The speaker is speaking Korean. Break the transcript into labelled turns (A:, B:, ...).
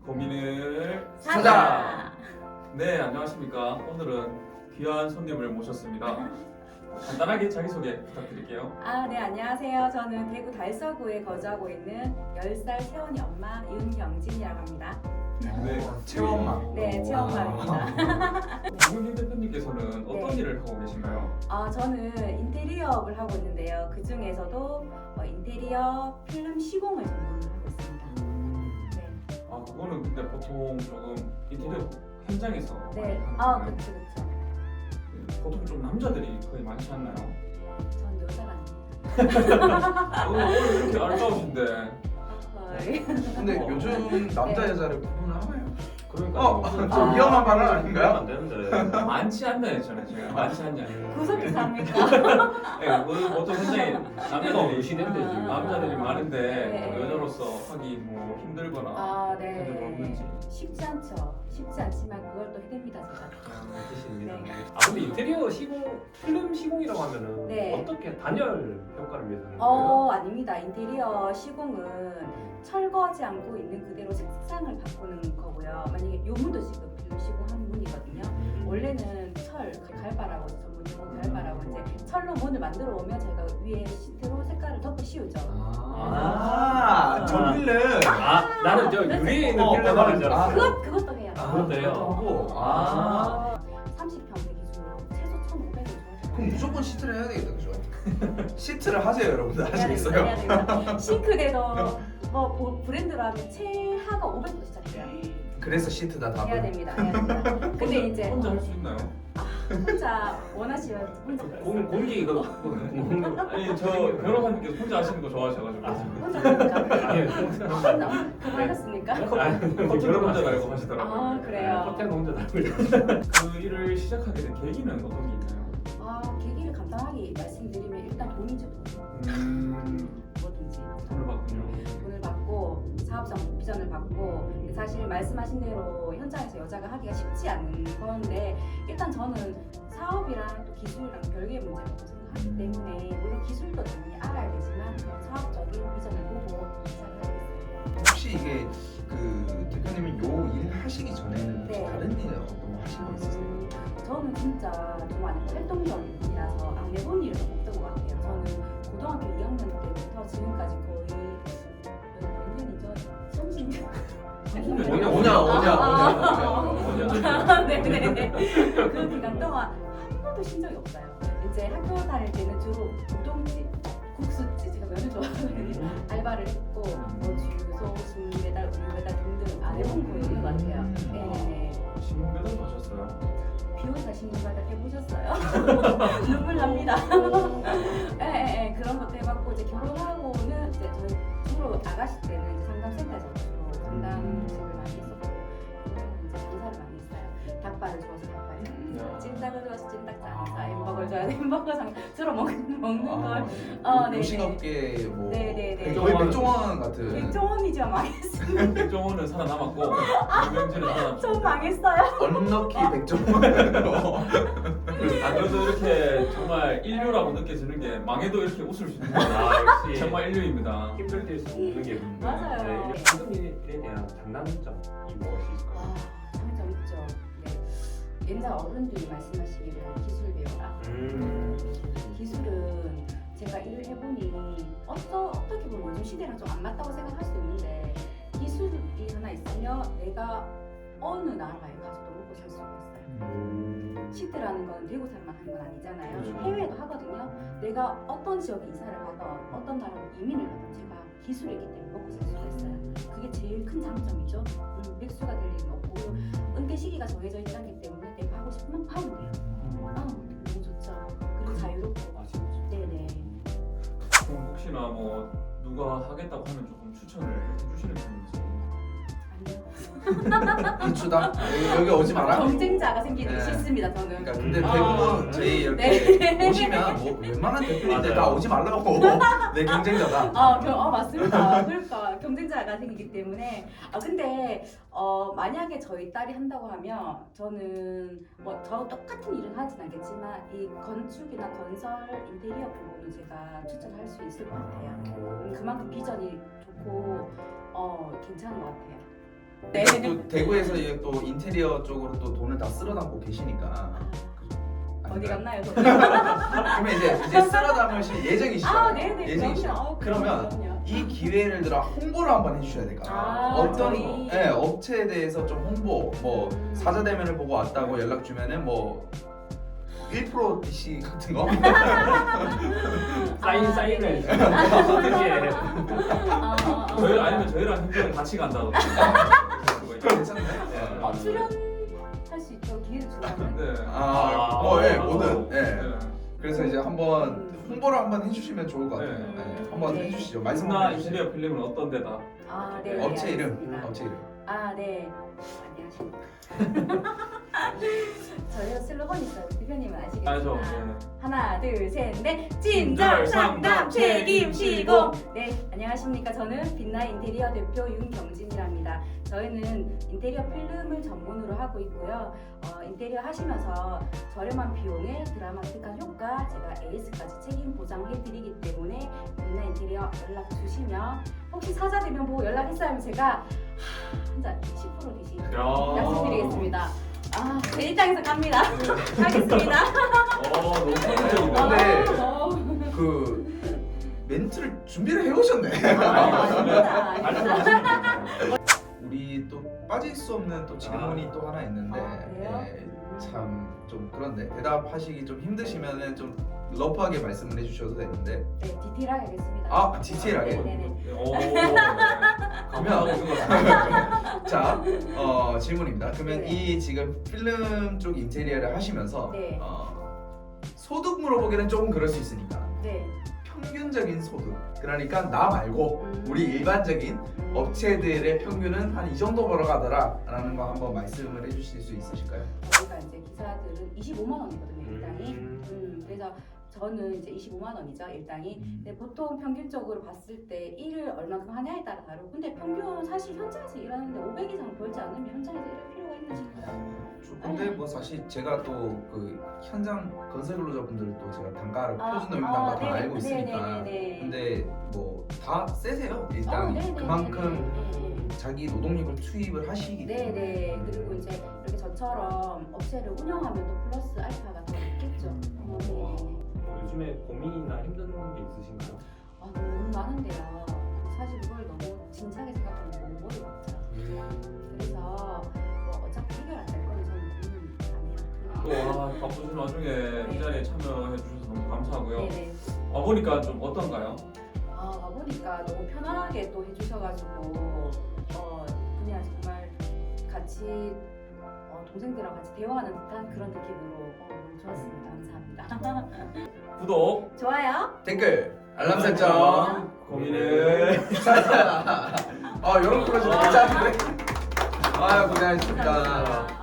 A: 고민을
B: 사자.
A: 네, 안녕하십니까. 오늘은 귀한 손님을 모셨습니다. 간단하게 자기소개 부탁드릴게요.
B: 네, 안녕하세요. 저는 대구 달서구에 거주하고 있는 10살 새언니 엄마 윤경진이라고 합니다.
A: 네.
C: 체험마.
B: 네, 체험맘입니다.
A: 김윤진 대표님께서는 어떤
B: 네.
A: 일을 하고 계신가요?
B: 저는 인테리어업을 하고 있는데요. 그 중에서도 인테리어 필름 시공을 전문으로 하고 있습니다. 네.
A: 그거는 근데 보통 조금 인테리어 현장에서 많이
B: 네.
A: 하는 거예요.
B: 그쵸.
A: 보통 좀 남자들이 거의 많지 않나요?
B: 전 여자가 아닙니다.
A: 오늘 이렇게 아름다우신데.
B: 거의.
C: 근데 요즘 남자 여자를 구분을 하나요?
A: 그러니까
C: 좀 위험한 발언 아닌가요?
D: 안 되는데.
A: 많지 않나요, 했잖아요. 제가 많지 않냐.
B: 구속기사 합니까?
A: 네, 보통 현장에 남자들이
D: 시대인데 지금.
A: 남자들이 많은데
B: 네.
A: 뭐 여자로서 하기 뭐 힘들거나 그런 점 없는지.
B: 쉽지 않죠. 쉽지 않지만 그걸 또 해냅니다, 제가.
D: 뜻입니다.
B: 네.
D: 근데 인테리어 시공, 필름 시공이라고 하면은
B: 네.
D: 어떻게 단열 효과를 위해서 하는 거예요?
B: 아닙니다. 인테리어 시공은 철거하지 않고 있는 그대로 색상을 바꾸는 거고요. 만약에 요 문도 지금 필름 시공한 문이거든요. 원래는 철, 갈바라고 전문 용어 갈바라고 이제 철로 문을 만들어 오면 제가 위에 시트로 색깔을 덮어 씌우죠.
C: 저 필름.
D: 나는 저 유리에 있는
C: 어,
D: 필름 하는 줄
C: 아,
D: 알았어.
B: 그것도 해요.
D: 그것도 해요?
C: 하고.
B: 30평대 기준으로 최소 1,500원 줘야
C: 그럼 무조건 시트를 해야 되겠다, 그죠? 시트를 하세요, 여러분들. 하시겠어요?
B: 해야 됩니다. 싱크대도 뭐 브랜드로 하면 최하가 500부터 시작해요.
C: 그래서 시트다
B: 해야
C: 답은.
B: 됩니다. 해야 됩니다. 근데 이제
A: 혼자 할 수 있나요?
B: 혼자 원하시면 혼자
D: 공기 이거
A: 아니 저 변호사님께서 혼자 하시는 거 좋아하셔가지고
B: 혼자 합니까?
D: 아니,
B: 그만하셨습니까?
A: 커튼도 혼자 달고 하시더라고요.
B: 그래요.
D: 호텔 혼자 달고
A: 그 일을 시작하게 된 계기는 어떤 게 있나요?
B: 계기를 간단하게 말씀드리면 일단 돈이죠. 뭐든지
A: 돈을 받군요.
B: 돈을 받고 사업장 비전을 받고 사실 말씀하신 대로 현장에서 여자가 하기가 쉽지 않은 건데 일단 저는 사업이랑 또 기술이랑 별개의 문제라고 생각하기 때문에 물론 기술도 당연히 알아야 되지만 그런 사업적인 비전을 보고 시작을 하겠습니다.
C: 혹시 이게 그 대표님이 요 일 하시기 전에는 혹시
B: 네.
C: 다른 일 어떤 거 하신 거 있으세요?
B: 저는 진짜 정말 활동적이라서 안 해본 일은 없던 것 같아요. 저는 고등학교 2학년 때부터 지금까지 거의 몇 년이죠? 30년?
C: 오냐.
B: 네네네. 그 기간 동안 한 번도 쉰 적이 없어요. 이제 학교 다닐 때는 주로 우동집, 국수집, 제가 면을 좋아하거든요. 알바를 했고 뭐 주유소, 신문 배달, 우유 배달 등등 안 해본 거 있는 것 같아요. 네네네.
A: 신문 배달도 하셨어요?
B: 비오사 신문 배달 해보셨어요? 눈물 납니다. 네, 그런 것도 해봤고 이제 결혼하고는 이제 저희 주로 나가실 때는 이제 상담센터에서 주로 상담직을 많이 했었고 이제 장사를 많이 했어요. 닭발을 좋아서 닭발, 찜닭을 좋아서 찜닭 장사, 햄버거를 좋아해서 햄버거 장사 주로 먹는 걸. 네네.
C: 요식업계 뭐
B: 네네네.
C: 거의 백종원 같은.
B: 백종원이지만 망했습니다.
A: 백종원은 살아남았고 유명진은 살아남았고.
B: 좀 망했어요.
C: 언럭키 백종원.
A: 그래도 이렇게 정말 인류라고 느껴지는 게 망해도 이렇게 웃을 수 있는 거
D: 역시
A: 정말 인류입니다.
D: 힘들 때 웃는 게
B: 맞아요.
D: 모든 일에 대한 장단점이 무엇이 있을까요?
B: 장점 있죠. 네. 옛날 어른들이 말씀하시기를 기술 배워라. 기술은 제가 일을 해보니 어떻게 보면 요즘 시대랑 좀 안 맞다고 생각할 수도 있는데 기술이 하나 있으면 내가 어느 나라에 가서도 먹고 살 수가 있어요. 시대라는 건 대구 살만 하는 건 아니잖아요.
A: 그렇죠.
B: 해외도 하거든요. 내가 어떤 지역에 이사를 가든 어떤 나라로 이민을 가든 제가 기술이 있기 때문에 먹고 살 수가 있어요. 그게 제일 큰 장점이죠. 백수가 될 일은 없고 은퇴 시기가 정해져 있기 때문에 내가 하고 싶으면 하면 돼요. 너무 좋죠. 그리고 자유롭고.
D: 진짜.
B: 네네.
A: 그럼 혹시나 뭐 누가 하겠다고 하면 조금 추천을 해주시는 편인지.
B: 아니요.
C: 비추다. 여기 오지 마라.
B: 경쟁자가 생기기
C: 네.
B: 싫습니다. 저는.
C: 그러니까 근데
B: 아.
C: 대부분 저희 이렇게
B: 네.
C: 오시면 뭐 웬만한 대표님들 다
D: 맞아요.
C: 오지 말라고 내 경쟁자다.
B: 맞습니다. 그러니까 경쟁자가 생기기 때문에 근데 만약에 저희 딸이 한다고 하면 저는 뭐 저 똑같은 일은 하진 않겠지만 이 건축이나 건설 인테리어 부분은 제가 추천할 수 있을 것 같아요. 그만큼 비전이 좋고 괜찮은 것 같아요. 네.
C: 또 대구에서 이제 또 인테리어 쪽으로 또 돈을 다 쓸어 담고 계시니까
B: 어디 갔나요? 저?
C: 그러면 이제 쓸어 담으실 예정이시잖아요.
B: 아, 네네.
C: 예정이시죠. 그러면
B: 그럼요.
C: 이 기회를 들어 홍보를 한번 해주셔야 될까?
B: 아,
C: 어떤
B: 저희.
C: 업체에 대해서 좀 홍보, 뭐 사자 대면을 보고 왔다고 연락 주면은 뭐 1% DC 같은 거?
D: 사인을
B: 네네.
D: 해주세요.
A: 저희 아니면 저희랑 행정을 같이 간다던가.
C: 괜찮네.
B: 출연할 수 있도록 기회를 주나요?
A: 네.
C: 예, 뭐든. 예.
A: 네.
C: 그래서 이제 한번 홍보를 한번 해주시면 좋을 것 같아요.
A: 네.
C: 네. 한번
B: 네.
C: 해주시죠. 말씀
A: 나
C: 한번 해주세요.
A: 인테리어 필름은 어떤 데다?
B: 아, 네.
C: 업체 이름.
B: 알겠습니다.
C: 업체 이름.
B: 아, 네. 안녕하십니까. 저희가 슬로건 있어요. 대표님은 아시겠지만.
A: 알죠. 네.
B: 하나, 둘, 셋, 넷. 친절 상담 책임 시공. 네, 안녕하십니까. 저는 빛나의 인테리어 대표 윤경진이랍니다. 저희는 인테리어 필름을 전문으로 하고 있고요. 인테리어 하시면서 저렴한 비용에 드라마틱한 효과, 제가 AS까지 책임 보장해드리기 때문에 빛나 인테리어 연락 주시면 혹시 사자 되면 보고 연락했어요 하면 제가 한잔 10% 대신 약속드리겠습니다. 아, 제 입장에서 갑니다.
A: 네.
B: 하겠습니다.
A: 너무 선정적이다.
C: 네.
B: 어,
C: 그 멘트를 준비를 해오셨네.
B: 아닙니다.
C: 우리 또 빠질 수 없는 또 질문이 또 하나 있는데
B: 그래요?
C: 참 좀 그런데 대답하시기 좀 힘드시면은 좀 러프하게 말씀을 해주셔도 되는데
B: 네, 디테일하게 하겠습니다.
C: 아 디테일하게.
B: 네네네.
A: 그러면
C: 자 질문입니다. 그러면
B: 네.
C: 이 지금 필름 쪽 인테리어를 하시면서
B: 네.
C: 소득 물어보기는 조금 그럴 수 있으니까
B: 네.
C: 평균적인 소득 그러니까 나 말고 우리 일반적인 업체들의 평균은 한 이 정도 벌어가더라 라는 거 한번 말씀을 해주실 수 있으실까요?
B: 저희가 이제 기사들은 25만 원이거든요, 일당이. 그래서 저는 이제 25만 원이죠, 일당이. 근데 보통 평균적으로 봤을 때 일을 얼마큼 하냐에 따라 다르고, 근데 평균 사실 현장에서 일하는데 500 이상 벌지 않으면 현장에서 일할 필요가 있나 싶어요.
C: 근데 뭐 사실 제가 또 그 현장 건설 근로자분들도 제가 단가를
B: 아,
C: 표준 노임 단가 다
B: 네,
C: 알고 있으니까
B: 네네네네.
C: 근데 뭐 다 세세요 일단
B: 네네네네.
C: 그만큼 자기 노동력을 투입을 하시기 때문에
B: 네네. 그리고 이제 이렇게 저처럼 업체를 운영하면 또 플러스 알파가 더 있겠죠. 네네네.
D: 요즘에 고민이나 힘든 게 있으신가요?
B: 아, 너무 많은데요. 사실 그걸 너무 진지하게 생각하면 너무 머리 아프죠. 그래서 뭐 어차피 해결 안 될 거는 저는 고민 안 해요.
A: 또 바쁘신 와중에 이 자리에 참여해 주셔서 너무 감사하고요.
B: 네네.
A: 와보니까 좀 어떤가요?
B: 와보니까 너무 편안하게 또 해주셔가지고 그냥 정말 같이 동생들이랑 같이 대화하는 듯한 그런 느낌으로 너무 좋았습니다. 감사합니다.
A: 구독,
B: 좋아요.
C: 댓글 알람 설정
A: 고민을
C: 이런 프로젝트 괜찮은데? 고생하셨습니다.